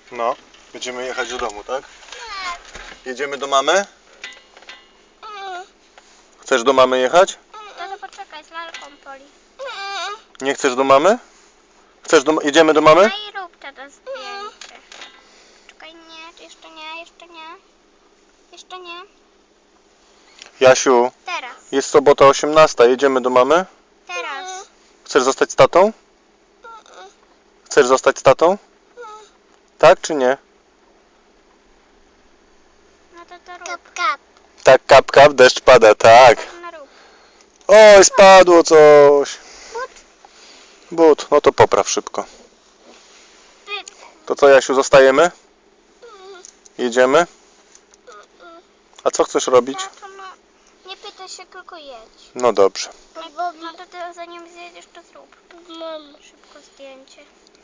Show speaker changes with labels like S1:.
S1: No, będziemy jechać do domu, tak? Jedziemy do mamy? Chcesz do mamy jechać?
S2: No to poczekaj, z lalką Poli.
S1: Nie chcesz do mamy? Jedziemy do mamy?
S2: No i rób to zdjęcie. Czekaj, nie, jeszcze nie, jeszcze nie. Jeszcze nie.
S1: Jasiu,
S2: Teraz,
S1: jest sobota 18, jedziemy do mamy?
S2: teraz.
S1: Chcesz zostać z tatą? Chcesz zostać z tatą? Tak czy nie?
S2: No to rób.
S1: Tak, kap, kap, deszcz pada, tak.
S2: No rób.
S1: Oj, spadło coś. But, no to popraw szybko. To co, Jasiu, zostajemy? Jedziemy? A co chcesz robić?
S2: Tato, no, nie pytaj się, tylko jedź.
S1: No dobrze.
S2: No to ty zanim zjedziesz, to zrób. Szybko zdjęcie.